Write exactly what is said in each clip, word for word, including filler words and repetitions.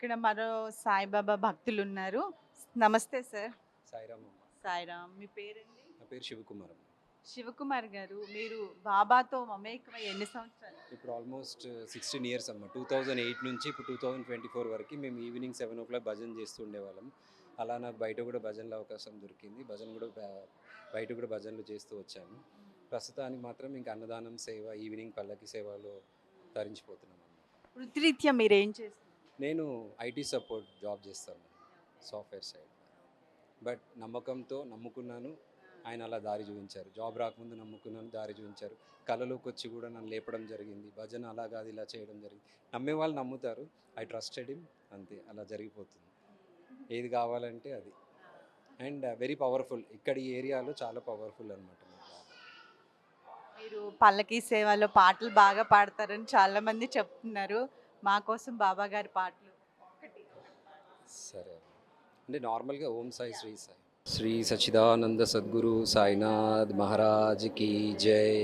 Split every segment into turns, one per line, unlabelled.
ఇక్కడ మరో సాయిబాబా భక్తులున్నారు. నమస్తే సార్.
సాయిరామ్ అమ్మ.
సాయిరామ్. మీ పేరండి?
నా పేరు శివకుమార్ అమ్మ.
శివకుమార్ గారు, మీరు బాబాతో మమేకమై ఎన్ని సంవత్సరాలు?
ఇప్పుడు ఆల్మోస్ట్ సిక్స్టీన్ ఇయర్స్ అమ్మ. టూ థౌజండ్ ఎయిట్ నుంచి ఇప్పుడు టూ థౌజండ్ ట్వంటీ ఫోర్ వరకు మేము ఈవినింగ్ సెవెన్ ఓ క్లాక్ భజన చేస్తూ ఉండేవాళ్ళం. అలా నాకు బయట కూడా భజనలో అవకాశం దొరికింది. భజన కూడా బ- బయట కూడా భజనలు చేస్తూ వచ్చాను. ప్రస్తుతానికి మాత్రం ఇంకా అన్నదానం సేవ, ఈవినింగ్ పల్లకి సేవలో తరించిపోతున్నాం అన్నమాట.
వృత్తిరీత్యా మీరేం చేస్తారు?
నేను ఐటీ సపోర్ట్ జాబ్ చేస్తాను, సాఫ్ట్వేర్ సైడ్. బట్ నమ్మకంతో నమ్ముకున్నాను, ఆయన అలా దారి చూపించారు. జాబ్ రాకముందు నమ్ముకున్నాను, దారి చూపించారు. కళలోకి వచ్చి కూడా నన్ను లేపడం జరిగింది. భజన అలా కాదు ఇలా చేయడం జరిగింది. నమ్మే వాళ్ళు నమ్ముతారు. ఐ ట్రస్టెడ్ హిమ్, అంతే, అలా జరిగిపోతుంది. ఏది కావాలంటే అది. And very powerful. ఇక్కడ ఈ ఏరియాలో చాలా పవర్ఫుల్ అనమాట.
మీరు పల్లకి సేవలో పాటలు బాగా పాడతారని చాలా మంది చెప్తున్నారు. మా కోసం బాబా గారి పాటలు ఒకటి.
సరే, అంటే నార్మల్గా ఓం సాయి శ్రీ సాయి శ్రీ సచ్చిదానంద సద్గురు సాయినాథ్ మహారాజ్ की जय।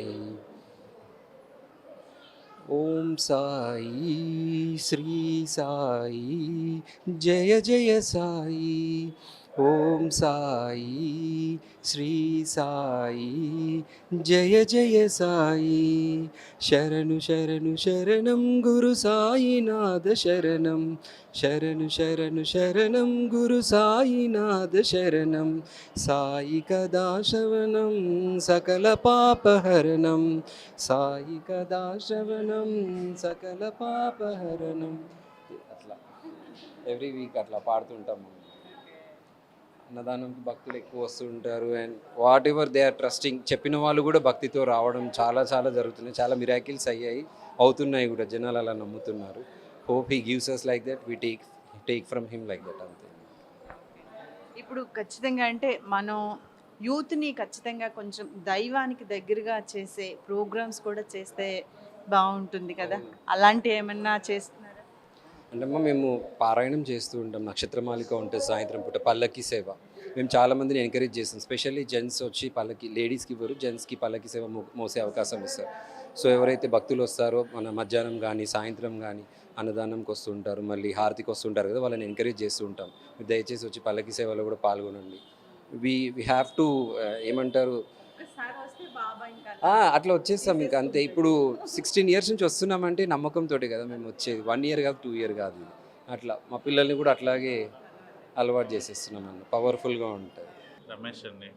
ఓం సాయి శ్రీ సాయి జయ జయ సాయి। ఓం సాయి శ్రీ సాయి జయ జయ సాయి। శరణు శరణు శరణం గురు సాయినాథ శరణం। శరణు శరణు శరణం గురు సాయినాథ శరణం। సాయి కదా శవనం సకల పాపహరణం। సాయి కదా శవనం సకల పాపహరణం। అట్లా ఎవ్రీ వీక్ అట్లా పాడుతుంటాము. అన్నదానంకి భక్తులు ఎక్కువ వస్తుంటారు. And whatever they are trusting, చెప్పిన వాళ్ళు కూడా భక్తితో రావడం చాలా చాలా జరుగుతున్నాయి. చాలా మిరాకిల్స్ అయ్యాయి, అవుతున్నాయి కూడా. జనాలు అలా నమ్ముతున్నారు. Hope he gives us like that, we take take from him like that, అంతే.
ఇప్పుడు ఖచ్చితంగా అంటే మనం యూత్ని ఖచ్చితంగా కొంచెం దైవానికి దగ్గరగా చేసే ప్రోగ్రామ్స్ కూడా చేస్తే బాగుంటుంది కదా. అలాంటి ఏమన్నా చేస్తున్నారా?
అంటే అమ్మ, మేము పారాయణం చేస్తూ ఉంటాం. నక్షత్రమాలిక ఉంటుంది సాయంత్రం పూట, పల్లకి సేవ. మేము చాలామందిని ఎంకరేజ్ చేస్తాం. స్పెషల్లీ జెంట్స్ వచ్చి పల్లకి, లేడీస్కి ఇవ్వరు, జెంట్స్కి పల్లకి సేవ మో మోసే అవకాశం ఇస్తారు. సో ఎవరైతే భక్తులు వస్తారో మన మధ్యాహ్నం కానీ సాయంత్రం కానీ అన్నదానంకి వస్తుంటారు, మళ్ళీ హారతికి వస్తుంటారు కదా, వాళ్ళని ఎంకరేజ్ చేస్తూ ఉంటాం. మీరు దయచేసి వచ్చి పల్లకి సేవలో కూడా పాల్గొనండి. వి వి హ్యావ్ టు ఏమంటారు,
ఒకసారి వస్తే బాబా ఇంకా
ఆ, అట్లా వచ్చేస్తాం ఇంకా, అంతే. ఇప్పుడు సిక్స్టీన్ ఇయర్స్ నుంచి వస్తున్నామంటే నమ్మకంతో కదా మేము వచ్చేది. వన్ ఇయర్ కాదు, టూ ఇయర్ కాదు. ఇది అట్లా మా పిల్లల్ని కూడా అట్లాగే అలవాటు చేసేస్తున్నాం అన్న. పవర్ఫుల్గా ఉంటుంది.
రమేష్ అండి.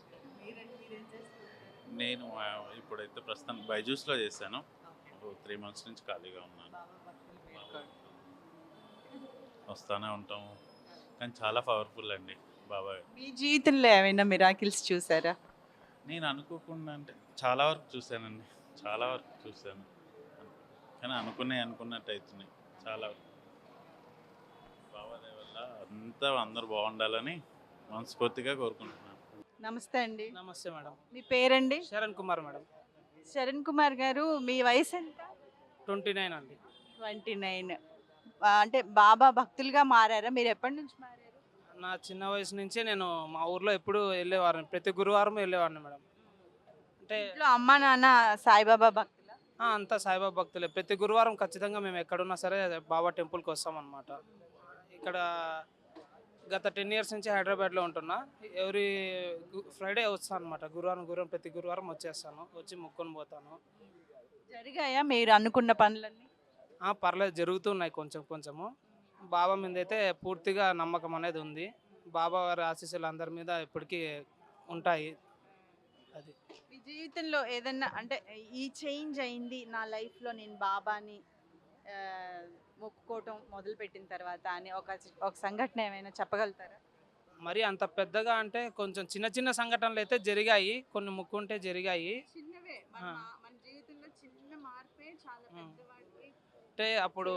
నేను ఆ, ఇప్పుడైతే ప్రస్తుతం బైజూస్లో చేశాను. త్రీ మంత్స్ నుంచి ఖాళీగా ఉన్నాను. వస్తానే ఉంటాము, కానీ చాలా పవర్ఫుల్ అండి బాబా.
మీ జీవితంలో ఏమైనా మిరాకిల్స్ చూసారా?
నేను అనుకోకుండా అంటే చాలా వరకు చూశానండి, చాలా వరకు చూశాను, కానీ అనుకునే అనుకున్నట్టు అవుతున్నాయి చాలా వరకు. బాబా దయ వల్ల అంతా అందరూ బాగుండాలని మనస్ఫూర్తిగా కోరుకుంటున్నాను.
నమస్తే అండి.
నమస్తే మేడం.
మీ పేరండి?
శరణ్ కుమార్ మేడం.
శరణ్ కుమార్ గారు, మీ వయసు ఎంత?
ట్వంటీ నైన్ అండి.
Twenty nine. అంటే బాబా భక్తులుగా మారారా? మీరు ఎప్పటి నుంచి మారారు?
నా చిన్న వయసు నుంచే నేను మా ఊర్లో ఎప్పుడు వెళ్ళేవాడిని, ప్రతి గురువారం వెళ్ళేవాడిని మేడం. అంటే
ఇంట్లో అమ్మా నాన్న సాయిబాబా భక్తులా?
ఆ, అంతా సాయిబాబా భక్తులే. ప్రతి గురువారం ఖచ్చితంగా మేము ఎక్కడున్నా సరే బాబా టెంపుల్కి వస్తాం అన్నమాట. ఇక్కడ గత టెన్ ఇయర్స్ నుంచి హైదరాబాద్లో ఉంటున్నా. ఎవ్రీ ఫ్రైడే వస్తాను అనమాట. గురువారం గురువారం ప్రతి గురువారం వచ్చేస్తాను, వచ్చి మొక్కుని పోతాను.
జరిగాయా మీరు అనుకున్న పనులన్నీ?
ఆ, పర్లేదు, జరుగుతున్నాయి కొంచెం కొంచెము. బాబా మీద అయితే పూర్తిగా నమ్మకం అనేది ఉంది. బాబా వారి ఆశీస్సులు అందరి మీద ఎప్పటికీ ఉంటాయి. అది
మీ జీవితంలో ఏదన్నా అంటే ఈ చేంజ్ అయింది నా లైఫ్లో, నేను బాబాని ఆ, మొక్కుకోవటం మొదలుపెట్టిన తర్వాత అని ఒక ఒక సంఘటన ఏమైనా చెప్పగలుగుతారా?
మరి అంత పెద్దగా అంటే కొంచెం చిన్న చిన్న సంఘటనలు అయితే జరిగాయి, కొన్ని ముక్కుంటే జరిగాయి.
చిన్నవే, మన
ఆ.
మా- మన జీవితంలో చిన్న మార్పే చాలా పెద్దవాడికి.
అంటే అప్పుడు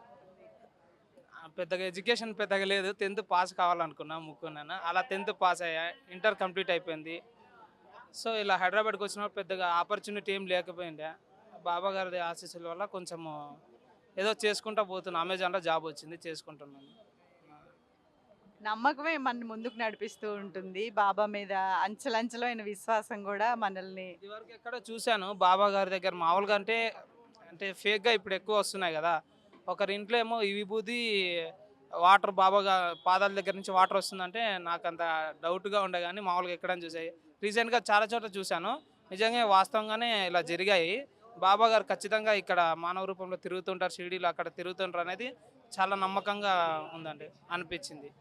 ఆ, పెద్దగా ఎడ్యుకేషన్ పెద్దగా లేదు. టెన్త్ పాస్ కావాలనుకున్నా, ముక్కున్నాను. అలా టెన్త్ పాస్ అయ్యా, ఇంటర్ కంప్లీట్ అయిపోయింది. సో ఇలా హైదరాబాద్కి వచ్చినప్పుడు పెద్దగా ఆపర్చునిటీ ఏం లేకపోయిండే. బాబా గారి ఆశీస్సుల వల్ల కొంచెము ఏదో చేసుకుంటా పోతున్నా. అమెజాన్లో జాబ్ వచ్చింది, చేసుకుంటున్నాను.
నమ్మకమే మన ముందుకు నడిపిస్తూ ఉంటుంది. బాబా మీద అంచెలంచెలైన విశ్వాసం కూడా మనల్ని.
ఇదివరకు ఎక్కడో చూశాను బాబా గారి దగ్గర, మామూలుగా అంటే అంటే ఫేక్గా ఇప్పుడు ఎక్కువ వస్తున్నాయి కదా. ఒకరి ఇంట్లో ఏమో ఈ విభూది వాటర్ బాబాగా పాదాల దగ్గర నుంచి వాటర్ వస్తుందంటే నాకు అంత డౌట్గా ఉండే కానీ మామూలుగా ఎక్కడని చూసాయి. రీసెంట్గా చాలా చోట్ల చూశాను, నిజంగా వాస్తవంగానే ఇలా జరిగాయి. బాబా గారు ఖచ్చితంగా ఇక్కడ మానవ రూపంలో తిరుగుతుంటారు, షిరిడీలో అక్కడ తిరుగుతుంటారు అనేది చాలా నమ్మకంగా ఉందండి, అనిపించింది.